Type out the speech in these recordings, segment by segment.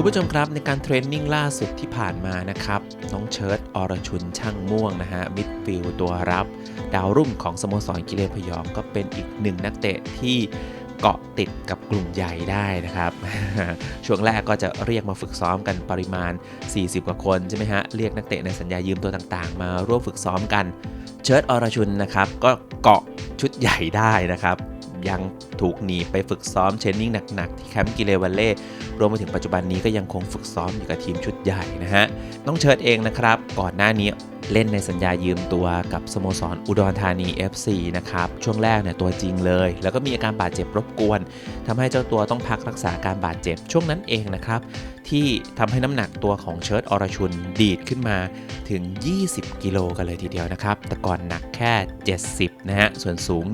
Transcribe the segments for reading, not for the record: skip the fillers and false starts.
ผู้ชมครับในการเทรนนิ่งล่าสุดที่ผ่านมานะครับน้องเชิร์ตอรชุนช่างม่วงนะฮะมิดฟิลด์ตัวรับดาวรุ่งของสโมสรกิเลนพยองก็เป็นอีกหนึ่งนักเตะที่เกาะติดกับกลุ่มใหญ่ได้นะครับ ช่วงแรกก็จะเรียกมาฝึกซ้อมกันปริมาณ40กว่าคนใช่ไหมฮะเรียกนักเตะในสัญญายืมตัวต่างๆมาร่วมฝึกซ้อมกันเชิร์ตอรชุนนะครับก็เกาะชุดใหญ่ได้นะครับยังถูกหนีไปฝึกซ้อมเทรนนิ่งหนักๆที่แคมป์กิเลวัลเล่รวมไปถึงปัจจุบันนี้ก็ยังคงฝึกซ้อมอยู่กับทีมชุดใหญ่นะฮะน้องเชิร์ตเองนะครับก่อนหน้านี้เล่นในสัญญายืมตัวกับสโมสรอุดรธานี FC นะครับช่วงแรกเนี่ยตัวจริงเลยแล้วก็มีอาการบาดเจ็บรบกวนทำให้เจ้าตัวต้องพักรักษาการบาดเจ็บช่วงนั้นเองนะครับที่ทำให้น้ำหนักตัวของเชิร์ตอรชุนดีดขึ้นมาถึง20กิโลกันเลยทีเดียวนะครับแต่ก่อนหนักแค่70นะฮะส่วนสูง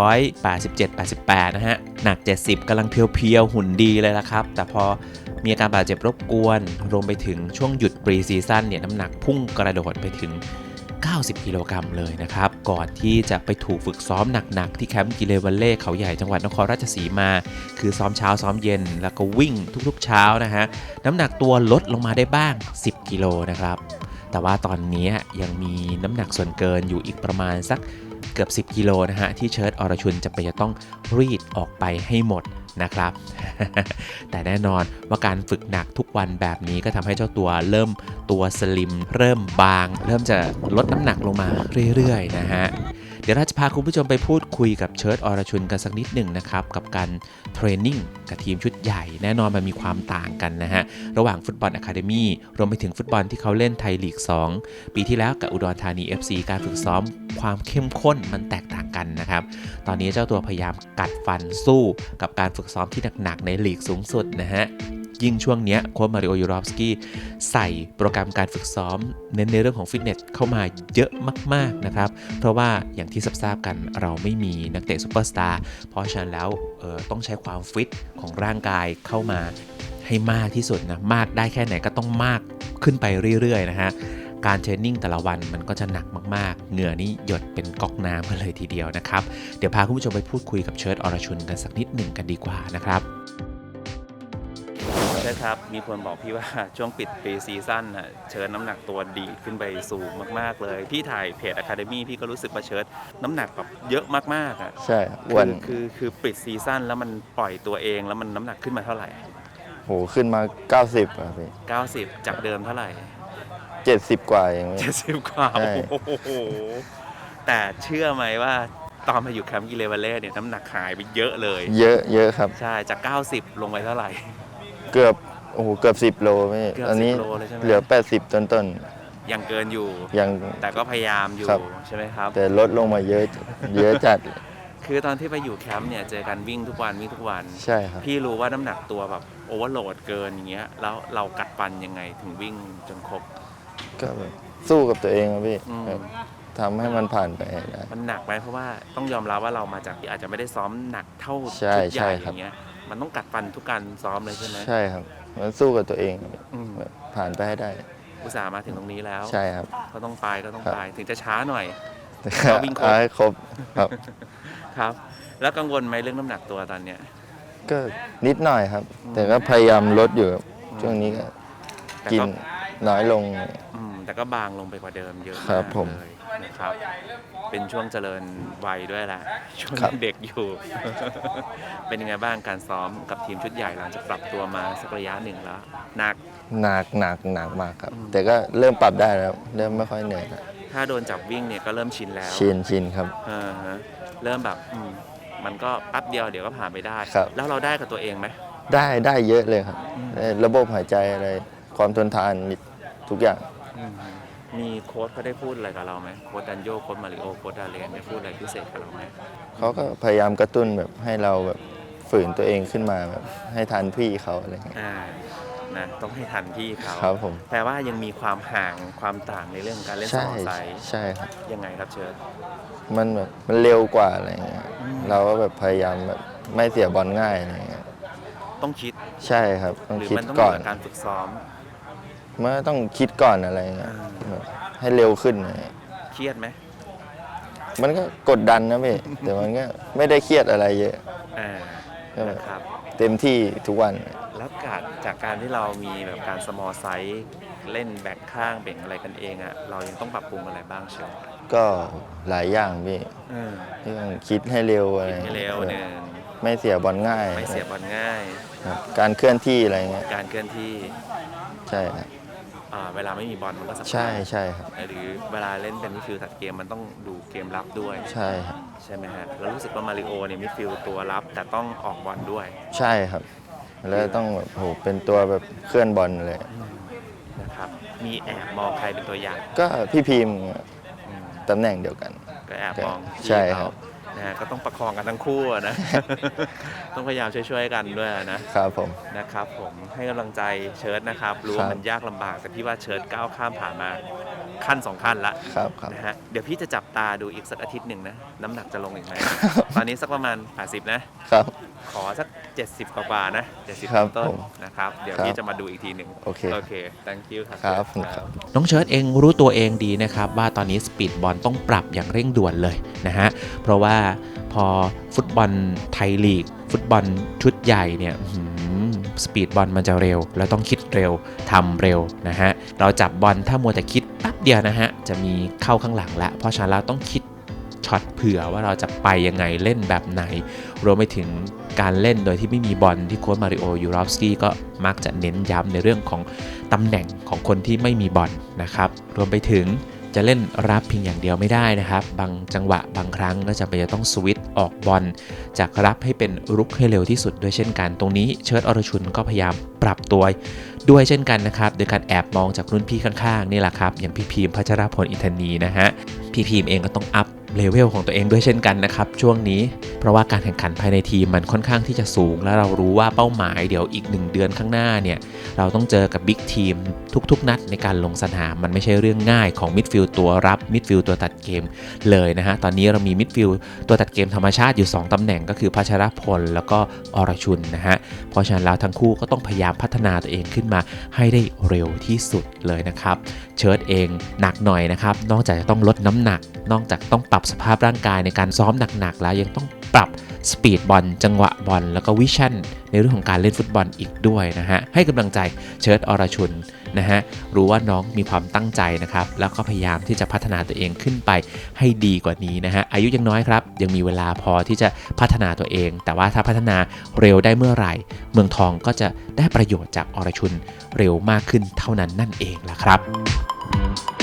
187-88นะฮะหนัก70กำลังเพียวๆหุ่นดีเลยละครับแต่พอมีอาการบาดเจ็บรบกวนรวมไปถึงช่วงหยุดปรีซีซั่นเนี่ยน้ำหนักพุ่งกระโดดไปถึง90กิโลกรัมเลยนะครับก่อนที่จะไปถูกฝึกซ้อมหนักๆที่แคมป์กิเลวัลเล่เขาใหญ่จังหวัดนครราชสีมาคือซ้อมเช้าซ้อมเย็นแล้วก็วิ่งทุกๆเช้านะฮะน้ำหนักตัวลดลงมาได้บ้าง10กิโลนะครับแต่ว่าตอนนี้ยังมีน้ำหนักส่วนเกินอยู่อีกประมาณสักเกือบ10กิโลนะฮะที่เชิร์ตอรชุนจะต้องรีดออกไปให้หมดนะครับ แต่แน่นอนว่าการฝึกหนักทุกวันแบบนี้ก็ทำให้เจ้าตัวเริ่มตัวสลิมเริ่มบางเริ่มจะลดน้ำหนักลงมาเรื่อยๆนะฮะเดี๋ยวเราจะพาคุณผู้ชมไปพูดคุยกับเชิร์ตอรชุนกันสักนิดหนึ่งนะครับกับการเทรนนิ่งกับทีมชุดใหญ่แน่นอนมันมีความต่างกันนะฮะระหว่างฟุตบอลอะคาเดมี่รวมไปถึงฟุตบอลที่เขาเล่นไทยลีก2ปีที่แล้วกับอุดรธานี FC การฝึกซ้อมความเข้มข้นมันแตกต่างกันนะครับตอนนี้เจ้าตัวพยายามกัดฟันสู้กับการฝึกซ้อมที่หนักๆในลีกสูงสุดนะฮะยิ่งช่วงนี้โค้ชมาริโอ ยูรอฟสกี้ใส่โปรแกรมการฝึกซ้อมเน้นในเรื่องของฟิตเนสเข้ามาเยอะมากๆนะครับเพราะว่าอย่างที่ทราบกันเราไม่มีนักเตะซูเปอร์สตาร์เพราะฉะนั้นแล้วต้องใช้ความฟิตของร่างกายเข้ามาให้มากที่สุดนะมากได้แค่ไหนก็ต้องมากขึ้นไปเรื่อยๆนะฮะการเทรนนิ่งแต่ละวันมันก็จะหนักมากๆเหงื่อนี่หยดเป็นก๊อกน้ำกันเลยทีเดียวนะครับเดี๋ยวพาคุณผู้ชมไปพูดคุยกับเชิร์ตอรชุนกันสักนิดหนึ่งกันดีกว่านะครับใช่ครับมีคนบอกพี่ว่าช่วงปิดปีซีซั่นเชิร์ตน้ำหนักตัวดีขึ้นไปสูงมากๆเลยพี่ถ่ายเพจ Academy พี่ก็รู้สึกว่าเชิร์ตน้ำหนักแบบเยอะมากๆอ่ะใช่วันคือปิดซีซั่นแล้วมันปล่อยตัวเองแล้วมันน้ำหนักขึ้นมาเท่าไหร่โหขึ้นมา90ครับพี่ 90จากเดิมเท่าไหร่ 70กว่าเอง 70กว่าโอ้โหแต่เชื่อไหมว่าตอนมาอยู่แคมป์กิเลวัลเล่เนี่ยน้ำหนักหายไปเยอะเลยเยอะครับใช่จาก90ลงไปเท่าไหร่เกือบ10โลพี่ตอนนี้เหลือ80ต้นยังเกินอยู่ยังแต่ก็พยายามอยู่ใช่ไหมครับแต่ลดลงมาเยอะจัดคือตอนที่ไปอยู่แคมป์เนี่ยเจอกันวิ่งทุกวันใช่ครับพี่รู้ว่าน้ำหนักตัวแบบโอเวอร์โหลดเกินอย่างเงี้ยแล้วเรากัดฟันยังไงถึงวิ่งจนครบก็แบบสู้กับตัวเองครับพี่ทำให้มันผ่านไปได้มันหนักไหมเพราะว่าต้องยอมรับว่าเรามาจากที่อาจจะไม่ได้ซ้อมหนักเท่าชุดใหญ่อย่างเงี้ยมันต้องกัดฟันทุกการซ้อมเลยใช่ไหมใช่ครับมันสู้กับตัวเองผ่านไปให้ได้อุตส่าห์มาถึงตรงนี้แล้วใช่ครับก็ต้องไปถึงจะช้าหน่อยก็วิ่งครบครับครับแล้วกังวลไหมเรื่องน้ำหนักตัวตอนเนี้ยก็นิดหน่อยครับแต่ก็พยายามลดอยู่ช่วงนี้ก็กินน้อยลงแต่ก็บางลงไปกว่าเดิมเยอะมากเลยนะครับเป็นช่วงเจริญวัยด้วยแหละช่วงเด็กอยู่ เป็นยังไงบ้างการซ้อมกับทีมชุดใหญ่หลังจากปรับตัวมาสักระยะหนึ่งแล้วหนักมากครับแต่ก็เริ่มปรับได้แล้วเริ่มไม่ค่อยเหนื่อยแล้วถ้าโดนจับวิ่งเนี่ยก็เริ่มชินแล้วชินครับเริ่มแบบมันก็แป๊บเดียวเดี๋ยวก็ผ่านไปได้แล้วเราได้กับตัวเองไหมได้เยอะเลยครับระบบหายใจอะไรความทนทานทุกอย่างมีโค้ชเขาได้พูดอะไรกับเราไหมโค้ชดันโยโค้ชมาริโอโค้ชดาเลนได้พูดอะไรพิเศษกับเราไหมเขาก็พยายามกระตุ้นแบบให้เราแบบฝืนตัวเองขึ้นมาแบบให้ทันพี่เขาอะไรเงี้ยนะต้องให้ทันพี่เขาครับผมแต่ว่ายังมีความห่างความต่างในเรื่องการเล่นสองไซส์ใช่ครับยังไงครับเชิญมันแบบมันเร็วกว่าอะไรเงี้ยเราก็แบบพยายามแบบไม่เสียบอลง่ายอะไรเงี้ยต้องคิดใช่ครับต้องคิดก่อนการฝึกซ้อมเมื่อต้องคิดก่อนอะไรเงี้ยให้เร็วขึ้นเครียดไหมมันก็กดดันนะพี่แต่มันก็ไม่ได้เครียดอะไรเยอะครับเต็มที่ทุกวันแล้วแล้วจากการที่เรามีแบบการ small size เล่นแบ่งข้างแบ่งอะไรกันเองอะเรายังต้องปรับปรุงอะไรบ้างเชียวก็หลายอย่างพี่เรื่องคิดให้เร็วอะไรให้เร็วหนึ่งไม่เสียบอลง่ายไม่เสียบอลง่ายครับการเคลื่อนที่อะไรเงี้ยการเคลื่อนที่ใช่ครับเวลาไม่มีบอลมันก็สำคัญใช่ใช่ครับหรือเวลาเล่นเป็นมิดฟิลด์ตัดเกมมันต้องดูเกมรับด้วยใช่ครับใช่ไหมฮะแล้วรู้สึกว่ามาริโอเนี่ยมิดฟิลด์ตัวรับแต่ต้องออกบอลด้วยใช่ครับ แล้วต้องแบบโหเป็นตัวแบบเคลื่อนบอลเลยนะครับมีแอบมองใครเป็นตัวอย่างก็พี่พิมพ์อืมตำแหน่งเดียวกันก็แอบมองใช่พี่ครัเขาบนะฮะก็ต้องประคองกันทั้งคู่อะ นะ ต้องพยายามช่วยๆกันด้วยนะครับผมนะครับผมให้กำลังใจเชิร์ตนะครับรู้ว่ามันยากลำบากแต่พี่ว่าเชิร์ตก้าวข้ามผ่านมาขั้น2ขั้นละครับครับนะฮะเดี๋ยวพี่จะจับตาดูอีกสักอาทิตย์หนึ่งนะน้ำหนักจะลงอีกไหม ตอนนี้สักประมาณ80นะครับ ขอสัก70กว่าๆนะครับ 70ต้นผมๆนะครับเดี๋ยวครับพี่จะมาดูอีกทีหนึ่งโอเค thank you ครับครับครับครับน้องเชิร์ตเองรู้ตัวเองดีนะครับว่าตอนนี้สปีดบอลต้องปรับอย่างเร่งด่วนเลยนะฮะเพราะว่าพอฟุตบอลไทยลีกฟุตบอลชุดใหญ่เนี่ยสปีดบอลมันจะเร็วแล้วต้องคิดเร็วทำเร็วนะฮะเราจับบอลถ้ามัวแต่คิดแป๊บเดียวนะฮะจะมีเข้าข้างหลังแล้วเพราะฉะนั้นเราต้องคิดช็อตเผื่อว่าเราจะไปยังไงเล่นแบบไหนรวมไปถึงการเล่นโดยที่ไม่มีบอลที่โค้ชมาริโอยูรอฟสกี้ก็มักจะเน้นย้ำในเรื่องของตำแหน่งของคนที่ไม่มีบอลนะครับรวมไปถึงจะเล่นรับเพียงอย่างเดียวไม่ได้นะครับบางจังหวะบางครั้งก็จะไปต้องสวิตช์ออกบอลจากรับให้เป็นรุกให้เร็วที่สุดด้วยเช่นกันตรงนี้เชิร์ตอรชุนก็พยายามปรับตัวด้วยเช่นกันนะครับโดยการแอบมองจากรุ่นพี่ข้างๆนี่แหละครับอย่างพี่พีมพัชรพลอินทนีนะฮะพี่พีมเองก็ต้องอัพเลเวลของตัวเองด้วยเช่นกันนะครับช่วงนี้เพราะว่าการแข่งขันภายในทีมมันค่อนข้างที่จะสูงและเรารู้ว่าเป้าหมายเดี๋ยวอีก1เดือนข้างหน้าเนี่ยเราต้องเจอกับบิ๊กทีมทุกๆนัดในการลงสนามมันไม่ใช่เรื่องง่ายของมิดฟิลด์ตัวรับมิดฟิลด์ตัวตัดเกมเลยนะฮะตอนนี้เรามีมิดฟิลด์ตัวตัดเกมธรรมชาติอยู่2ตำแหน่งก็คือพัชรพลแล้วก็อรชุนนะฮะเพราะฉะนั้นแล้วทั้งคู่ก็ต้องพยายามพัฒนาตัวเองขึ้นมาให้ได้เร็วที่สุดเลยนะครับเชิร์ตเองหนักหน่อยนะครับนอกจากจะต้องลดน้ำหนักนอกจากต้องปรับสภาพร่างกายในการซ้อมหนักๆแล้วยังต้องปรับสปีดบอลจังหวะบอลแล้วก็วิชั่นในเรื่องของการเล่นฟุตบอลอีกด้วยนะฮะให้กำลังใจเชิร์ตอรชุนนะฮะรู้ว่าน้องมีความตั้งใจนะครับแล้วก็พยายามที่จะพัฒนาตัวเองขึ้นไปให้ดีกว่านี้นะฮะอายุยังน้อยครับยังมีเวลาพอที่จะพัฒนาตัวเองแต่ว่าถ้าพัฒนาเร็วได้เมื่อไหร่เมืองทองก็จะได้ประโยชน์จากอรชุนเร็วมากขึ้นเท่านั้นนั่นเองล่ะครับ